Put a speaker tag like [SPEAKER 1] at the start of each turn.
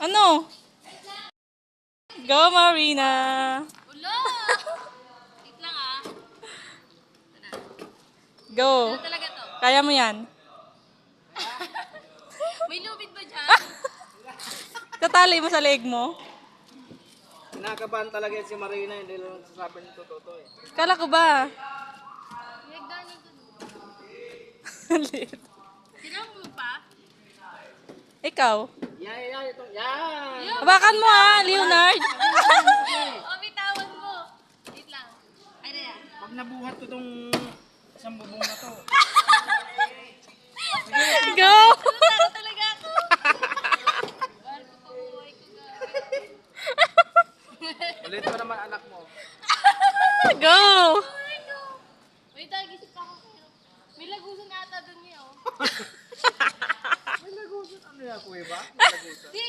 [SPEAKER 1] Ano? Go, Marina!
[SPEAKER 2] Ulo! Wait lang ah.
[SPEAKER 1] Go!
[SPEAKER 2] Ano talaga to?
[SPEAKER 1] Kaya mo yan.
[SPEAKER 2] May lubid ba dyan?
[SPEAKER 1] Tatali mo sa leg mo.
[SPEAKER 3] Kinakabahan talaga yan si Marina, hindi lang sasabi ng totoo eh.
[SPEAKER 1] Kala ko ba?
[SPEAKER 2] Nagdaan ito.
[SPEAKER 1] Lit.
[SPEAKER 2] Sinang mo pa?
[SPEAKER 1] Ikaw.
[SPEAKER 3] Yan, itong, yan!
[SPEAKER 1] Hawakan mo ha, Leonard.
[SPEAKER 2] Oh, bitawan mo. Wait lang. Ay na yan.
[SPEAKER 3] Pag nabuhat ko tong isang bubong na to,
[SPEAKER 1] Go!
[SPEAKER 2] Taro talaga ako. Bahal ko pa buhay ko
[SPEAKER 3] ulit ko naman anak mo.
[SPEAKER 1] Go!
[SPEAKER 2] Wait, gisip ako kayo. May lagusan ata doon niya oh.
[SPEAKER 3] May lagusan, ano yan, kuya ba? May lagusan.
[SPEAKER 2] Di,